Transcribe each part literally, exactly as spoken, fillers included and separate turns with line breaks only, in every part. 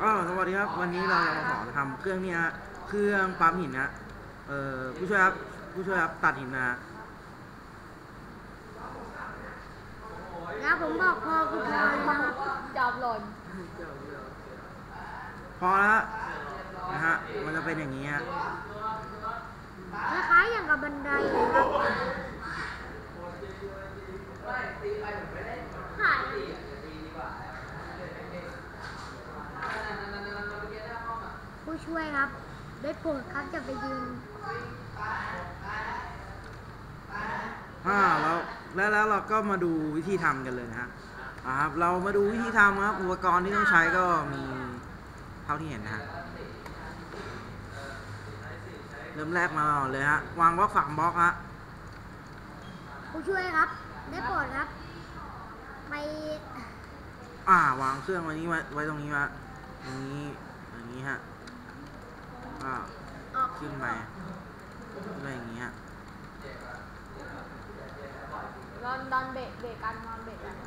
ก็สวัสดีครับวันนี้เราจะมาสอนทำเครื่องนี้ฮะเครื่องปั๊มหินนะเอ่อผู้ช่วยครับผู้ช่วยครับตัดหินนะ
แล้วผมบอกพอคือพอเลยนะครับ
จอบหล่น
พอแล้วนะฮะมันจะเป็นอย่างนี้ฮะ
คล้ายๆอย่างกับบันไดเลยครับขายผู้ช่วยครับได้โปรดครับจะไปยืน
อ่าแล้วแล้วแล้วเราก็มาดูวิธีทำกันเลยนะฮะอ่าครับเรามาดูวิธีทำครับอุปกรณ์ที่ต้องใช้ก็มีเท่าที่เห็นนะฮะเริ่มแรกมาเลยฮะวางบล็อกสามบล็อกฮะ
ผู้ช่วยครับได้โปรดครับไป
อ่าวางเครื่องไว้นี้ไว้ไว้ตรงนี้วะอย่างนี้อย่างนี้ฮะอ่าขึ้นไปอะไรอย่างนี้ฮะ
นอนนอนเบรกเบรกกันนอนเบรกกัน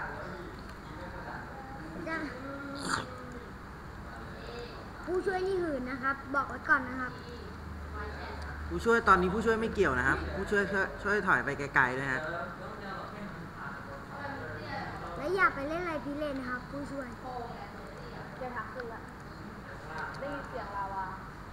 ผู้ช่วยนี่หื่นนะครับบอกไว้ก่อนนะครับ
ผู้ช่วยตอนนี้ผู้ช่วยไม่เกี่ยวนะครับผู้ช่วยช่วยถอยไปไกลๆด้วยฮะ
และอย่าไปเล่นอะไรพิเรนนะครับผู้ช่วย
เดี๋ยวถักขึ้นละได้ยินเสียงลาวา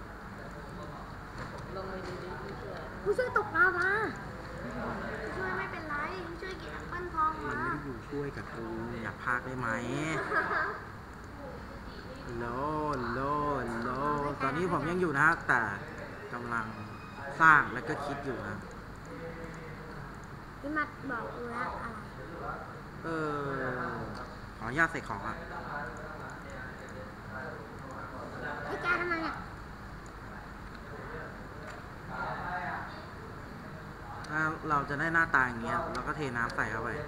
ลงไปดีๆผู้ช่วย
ผู้ช่วยตกลาวาผู้ช่วยไม่เป็นไรผู้ช่วยเก็บแอปเปิ้ลทองมา
มันไม่ได้อยู่ช่วยกับกูอยากพากได้ไหมโลโลโลตอนนี้ผมยังอยู่นะแต่กำลังสร้างแล้วก็คิดอยู่นะ
พี่มัดบอกกูแล้วอะไร
เออขออนุญาตใส่ของอ่ะ
ไอ้แกทำไมเนี่ย
เราจะได้หน้าตาอย่างเงี้ยเราก็เทน้ำใส่เข้าไป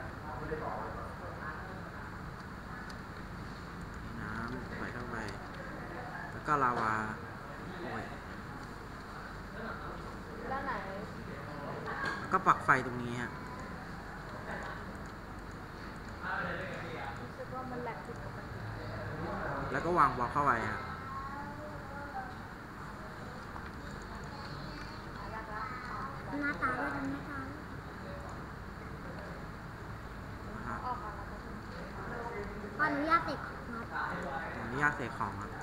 น้ำใส่เข้าไปแล้วก็ลาวาโอ้ย
ด้านไหน
แล้วก็ปักไฟตรงนี้ฮะ
รู้สึกว่ามันแหลกผิดปกติ
แล้วก็วางบล็อกเข้าไปฮะ
หน้าตาด้วยทำหน้าตาขออนุญาตเสกของครับ
ขออนุญาตเสกของครับ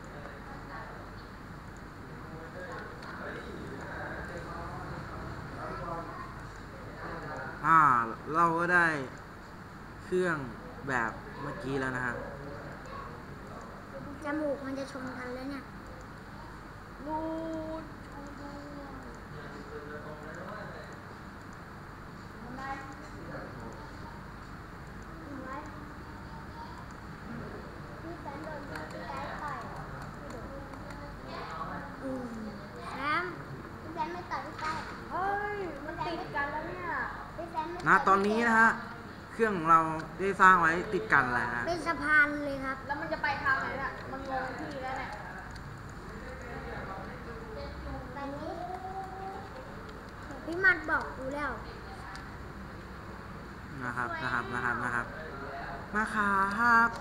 อ่าเราก็ได้เครื่องแบบเมื่อกี้แล้วนะฮะ
จมูกมันจะชนกันแล้วเนี่ย
รูด
นะตอนนี้นะฮะเครื่องของเราได้สร้างไว้ติดกันแหละฮะ
เป็นสะพานเลยครับ
แล้วมันจะไปทางไหนน่ะมันงงที่แล้วเนี่ย
พี่มัดบอกกูแล้ว
นะครับนะครับนะครับนะครับนะครับ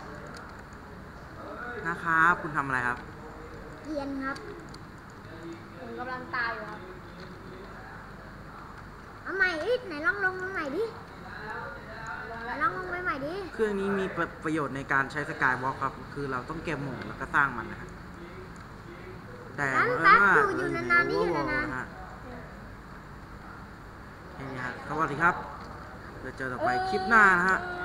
นะครับคุณทำอะไรครับ
เทียนครับ
ผมกำลังตายอยู่ครับ
เอาใหม่อีกไหนลองลงลงใหม่ดิลองลงไปใหม่ดิ
เครื่องนี้มีประโยชน์ในการใช้สกายวอล์กครับคือเราต้องเก็บหมูแล้วก็สร้างมันนะครับแต่
เมื่อว่าอยู่นานๆนี่อยู่นาน
ๆแค่นี้ฮะสวัสดีครับเดี๋ยวเจอต่อไปคลิปหน้านะฮะ